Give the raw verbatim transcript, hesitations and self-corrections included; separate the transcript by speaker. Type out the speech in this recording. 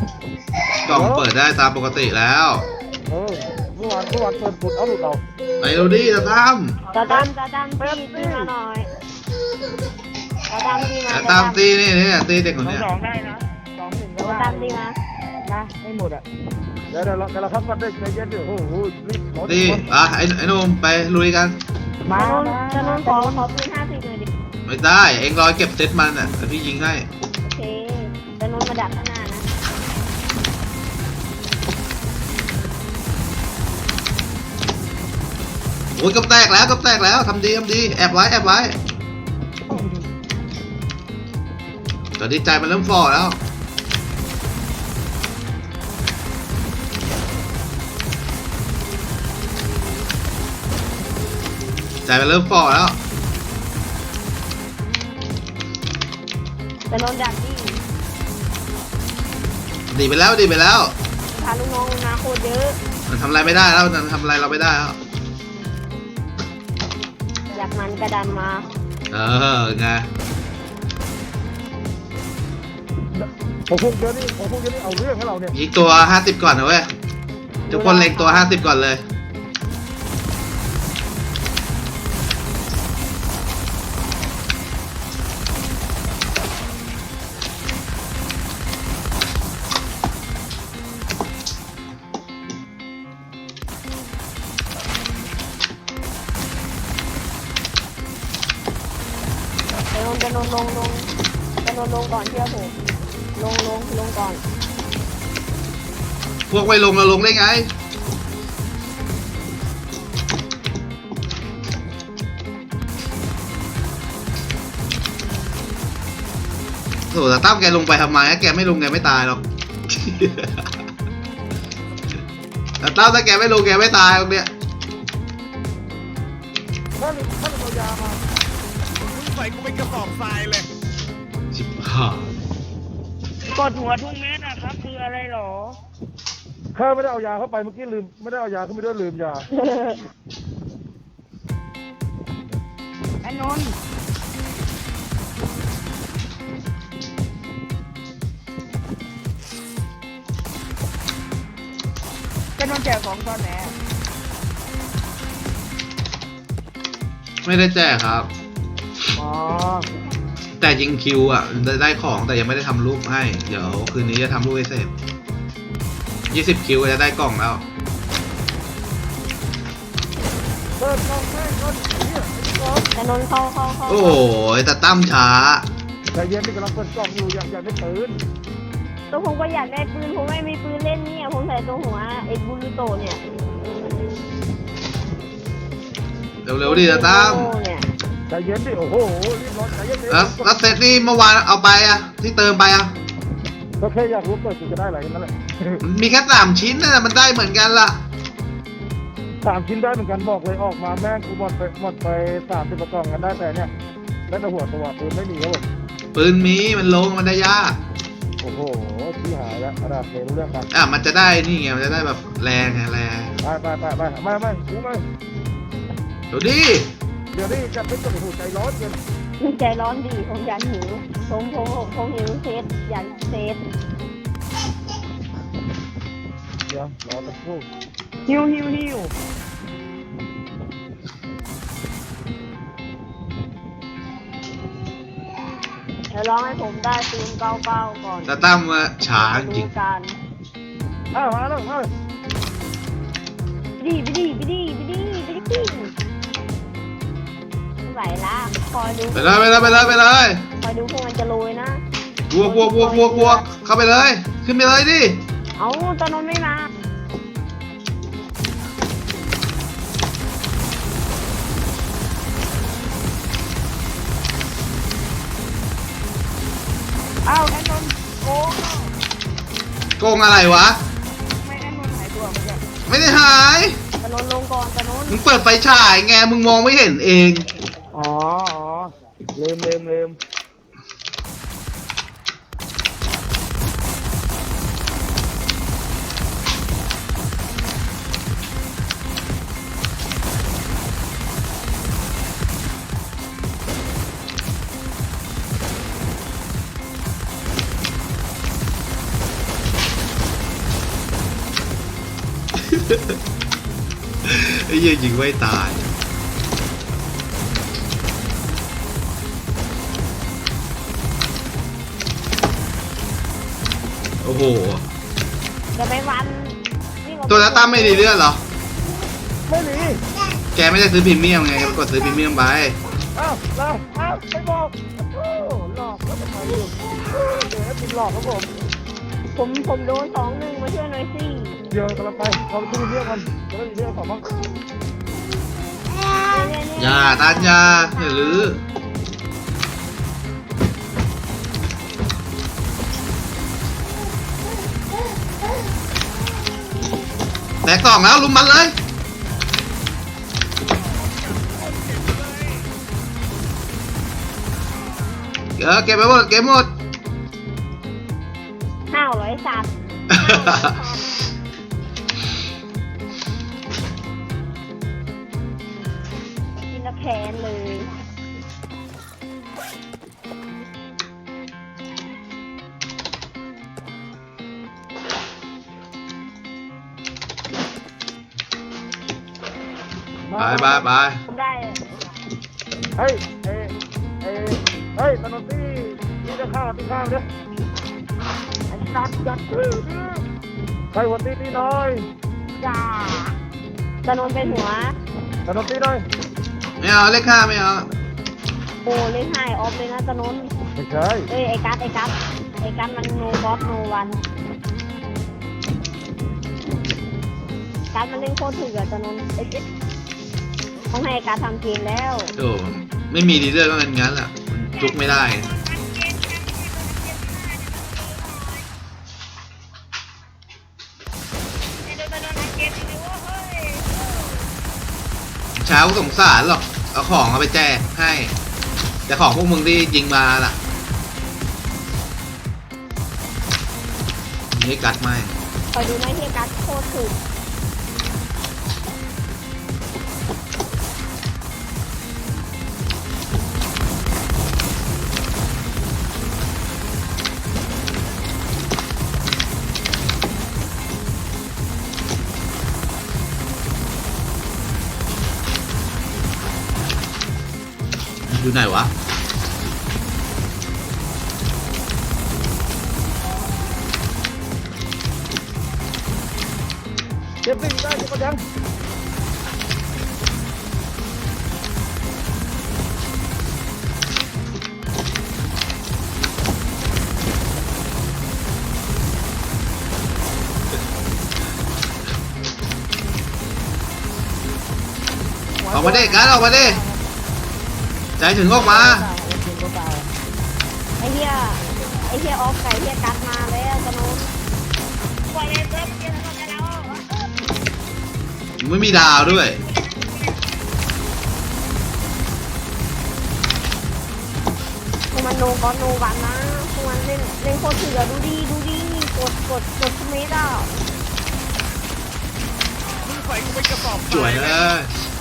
Speaker 1: กล่องเปิดได้ตามปกติแล้ว
Speaker 2: เออเมื่อวานเมื่อวานเปิดปุดเอาหลุดเอา
Speaker 1: ไปเราดิตาตั้ม
Speaker 3: ตาดำตาดำตีตีมาหน่อยตาดำตีมา
Speaker 1: ตาตั้มตีนี่นี่ตีเด็กคนนี้
Speaker 2: สองได้นะสองหนึ่งก็
Speaker 3: ตาดำตีมา
Speaker 2: นะไม่หมดอ่ะเดี๋ยวเดี๋ยวเราเดี๋ยวเราพักกันได้ใจเย็นดิโอ้โหรีบ
Speaker 1: ตีอ่ะไอ้ไอ้นุ่มไปลุยกัน
Speaker 3: มาจะนอนขอขอปืนห้าสิบเลยดิ
Speaker 1: ไม่ได้เอ็งรอเก็บเซตมันอ่ะแต่พี่ยิงให้
Speaker 3: โอเคจะนอนมาดักข้างหน้านะ
Speaker 1: โอ้ยกับแตกแล้วกับแตกแล้วทำดีทำดีแอบไว้แอบไว้ตอนนี้ใจมันเริ่มฝ่อแล้วใจมันเริ่มฝ่อแล้ว
Speaker 3: จะนอนดักดิ
Speaker 1: ดีไปแล้วดีไปแล้ว
Speaker 3: พาลูกน้องมาโคตรเยอะ
Speaker 1: มันทำอะไรไม่ได้แล้วมันทำอะไรเราไม่ได้แล้ว
Speaker 3: อยากมันกระดานมา
Speaker 1: เออไง
Speaker 2: ผมพวกเยอะนี่ผมพวกเยอะนี่เอาเรื่องให้เราเนี่ย
Speaker 1: ยิงตัวห้าสิบก่อนนะเว้ยทุกคนเล็งตัวห้าสิบก่อนเลย
Speaker 3: จะนอนลงลงจะนอนลงก่อนเชื่อผมลงลงลงก่อน
Speaker 1: พวกไม่ลงเราลงได้ไงโถแต่ตั้มแกลงไปทำไมแกไม่ลงแกไม่ตายหรอกแต่ตั้มถ้าแกไม่ลงแกไม่ตายตรงเนี้ย
Speaker 2: ถ้าถ้าเรายามาใส่กูเป็นกระสอบทรายเลย
Speaker 1: ชิบหาย
Speaker 3: กดหัวทุกเม็ดนะครับคืออะไรหรอ
Speaker 2: ข้าไม่ได้เอายาเข้าไปเมื่อกี้ลืมไม่ได้เอายาเข้าไปด้วยลืมยา
Speaker 3: ไอ้นนท์จะนนท์แจกของตอนไหน
Speaker 1: ไม่ได้แจกครับ
Speaker 2: อ๋อ
Speaker 1: แต่ยิงคิวอ่ะได้ได้ของแต่ยังไม่ได้ทำรูปให้เดี๋ยวคืนนี้จะทำรูปให้เสร็จยี่สิบคิวจะได้กล่องแล้ว
Speaker 2: เปิดกล่องแม่ก่อนเนี่ย
Speaker 3: แต่นนท์เข้าเข้าเข้า
Speaker 1: โอ้ยแต่ตั้มช้า
Speaker 2: ใจเย็นนี่กำลังเปิดกล่องอยู่อยากอยากได้ปืน
Speaker 3: ตัวผมก็อยากได้ปืนผมไม่มีปืนเล่นเนี่ยผมใส่ตัวหัวเอ็กบูรูโตเนี่ย
Speaker 1: เร็วๆดิแต่ตั้ม
Speaker 2: ใจเย็นดิโอ้โหรีบร้อนใจเย็นดิ
Speaker 1: แล้วแล้วเซตนี่เมื่อวานเอาไปอ่ะที่เติมไปอ่ะ
Speaker 2: ก็แค่อยากรู้เปิดจะได้อะไรนั่นแหละ
Speaker 1: มีแค่สามชิ้นนะมันได้เหมือนกันล่ะ
Speaker 2: สามชิ้นได้เหมือนกันบอกเลยออกมาแม่งกูหมดไปหมดไปสามสิบกล่องกันได้แต่เนี่ยได้แต่หัวตัวปืนไม่มีครับผม
Speaker 1: ปืนมีมันลงมันได้ยาก
Speaker 2: โอ้โหที่หายแล้วระดับเรื่องกัน
Speaker 1: อ่ะมันจะได้นี่ไงมันจะได้แบบแรงไงแรง
Speaker 2: ไปไปไปไปไม่ไม่กูไม่
Speaker 1: เดี๋ยวดิ
Speaker 2: เดี๋ยวนี้จะเป็นตัวหูใจร้อนเกิน
Speaker 3: ใจร้อนดีผมอยากหิวผมผมผมหิวเซตอยากเซต
Speaker 2: เดี๋ยวรอสักครู่
Speaker 3: หิวหิวหิวเดี๋ยวร้องให้ผมได้ปืนเก้าเก้าก่อน
Speaker 1: จะตั้มมาช้าจริง
Speaker 2: อ้าวมาแล้วมา
Speaker 3: ดีไปดีไปดีไปดีไปดีไหวละคอยดู
Speaker 1: ไปเลยไปเลยไปเลยไปเลย
Speaker 3: คอยดูพวกมันจะโรยนะ
Speaker 1: บวกบวกบวกบวกบวกเข้าไปเลยขึ้นไปเลยดิ
Speaker 3: เอาตอนนั้นไม่มาอ้าวแอนนนโกง
Speaker 1: โกงอะไรวะ
Speaker 3: ไม่แอนนนหายตัวมันจะ
Speaker 1: ไม่ได้หาย
Speaker 3: ตะนนลงก่อนตะนน
Speaker 1: มึงเปิดไฟฉายไงมึงมองไม่เห็นเอง
Speaker 2: อ๋อลืมลืมลืม
Speaker 1: เไอ้เหี้ยยิงไม่ตายโอ้โห
Speaker 3: จะไปวันวิ่งออก
Speaker 1: ตัวนัตตั้มไม่ดีเลือดเหรอ
Speaker 2: ไม่มี
Speaker 1: แกไม่ได้ซื้อพรีเมียมไงแกไปกดซื้อพรีเมียมไป
Speaker 2: อ้าวเราอ้าวไม่บอกโอ้หลอกแล้วทำไมอยู่เดี๋ยวให้กินหลอกครับผม
Speaker 3: ผมผมโดนสองหนึ่งมาช่วยหน่อยสิ
Speaker 2: เดี๋ยวกำลังไปเราต้องมีเรื่องกันเราต้องมีเรื่องของบ้าง
Speaker 3: เนี่ยเนี่ย
Speaker 1: อย่าตานยาอย่าลือแตกสองแล้วลุมมันเลยเออเก็บไปหมดเก็บหมด
Speaker 3: ห้าวร้อยสัตว์กินแล้วแค้นเลย
Speaker 1: ไปไปไป
Speaker 3: ผมได้
Speaker 2: เฮ้ยเอ้ยเอ้ยเฮ้ยถนนที่ที่จะข้าวที่ข้าวเนี่ย
Speaker 3: อันนัดยัด
Speaker 2: ใครวันที่ที่น้อย
Speaker 3: จ้าตะนนเป็นหัว
Speaker 2: ถนนที่น้อย
Speaker 1: ไม่เอาเลขห้าไม่เอา
Speaker 3: โอ้เล่นไฮออฟเลยนะตะนน
Speaker 2: ไม่ใช่
Speaker 3: เอ้ยไอ้กัสไอ้กัสไอ้กัสมันโนบอสโนวันกัสมันเล่นโคตรถึกอะตะนนไอ้เจ๊ต้องให้ไอ้กัสทำเกมแล้ว
Speaker 1: โอ้ไม่มีดีเลือดก็งั้นงั้นแหละจุกไม่ได้เช้าก็สงสารหรอกเอาของเอาไปแจกให้ แต่ของพวกมึงที่ยิงมาล่ะนี่กัดไม่
Speaker 3: คอยดูไหมที่กัสโคตรถึก
Speaker 1: อยู่ไหนวะ
Speaker 2: เก็บสิ่งได้เก็บกระยัง
Speaker 1: ออกมาดิกัดออกมาดิใจถึงออกมา
Speaker 3: ไอ้เหี้ยไอ้เหี้ยออฟไก่เหี้ยกัสมาแล้วตะนนปล่อยเลยเซิร์ฟเหี้ยทำกันแล้ว
Speaker 1: ไม่มีดาวด้วย
Speaker 3: พวกมันโนบอสโนวันนะพวกมันเล่นเล่นโคตรถึกอะดูดิดูดิกดกดกดทุกเมตรอะ
Speaker 1: สวยเลย